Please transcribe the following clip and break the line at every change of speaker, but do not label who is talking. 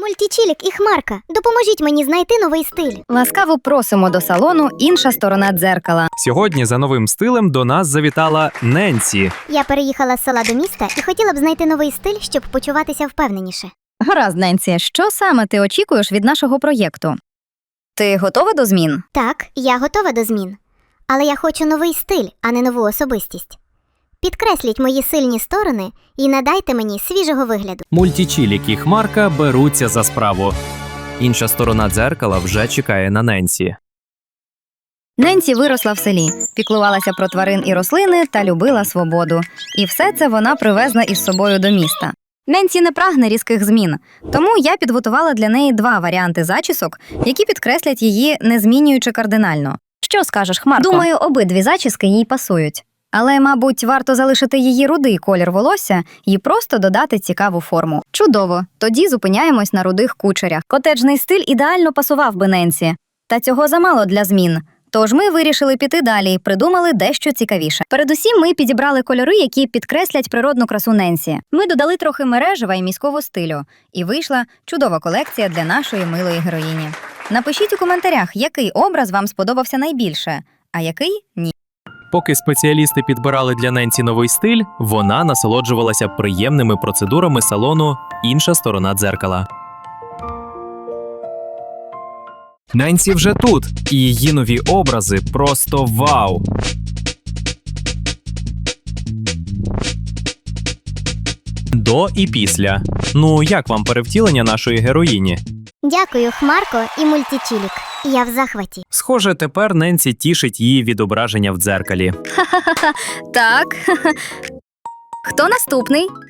Мультічілік і Хмарка, допоможіть мені знайти новий стиль.
Ласкаво просимо до салону «Інша сторона дзеркала».
Сьогодні за новим стилем до нас завітала Ненсі.
Я переїхала з села до міста і хотіла б знайти новий стиль, щоб почуватися впевненіше.
Гаразд, Ненсі, що саме ти очікуєш від нашого проєкту? Ти готова до змін?
Так, я готова до змін. Але я хочу новий стиль, а не нову особистість. Підкресліть мої сильні сторони і надайте мені свіжого вигляду.
Мультічілік і Хмарка беруться за справу. Інша сторона дзеркала вже чекає на Ненсі.
Ненсі виросла в селі, піклувалася про тварин і рослини та любила свободу. І все це вона привезла із собою до міста. Ненсі не прагне різких змін, тому я підготувала для неї два варіанти зачісок, які підкреслять її, не змінюючи кардинально. Що скажеш, Хмарко? Думаю, обидві зачіски їй пасують. Але, мабуть, варто залишити її рудий колір волосся і просто додати цікаву форму. Чудово! Тоді зупиняємось на рудих кучерях. Котеджний стиль ідеально пасував би Ненсі. Та цього замало для змін. Тож ми вирішили піти далі і придумали дещо цікавіше. Передусім ми підібрали кольори, які підкреслять природну красу Ненсі. Ми додали трохи мережева і міського стилю. І вийшла чудова колекція для нашої милої героїні. Напишіть у коментарях, який образ вам сподобався найбільше, а який – ні.
Поки спеціалісти підбирали для Ненсі новий стиль, вона насолоджувалася приємними процедурами салону «Інша сторона дзеркала». Ненсі вже тут, і її нові образи просто вау! До і після. Ну, як вам перевтілення нашої героїні?
Дякую, Хмарко і Мультічілік. Я в захваті.
Схоже, тепер Ненсі тішить її відображення в дзеркалі.
Так. Хто наступний?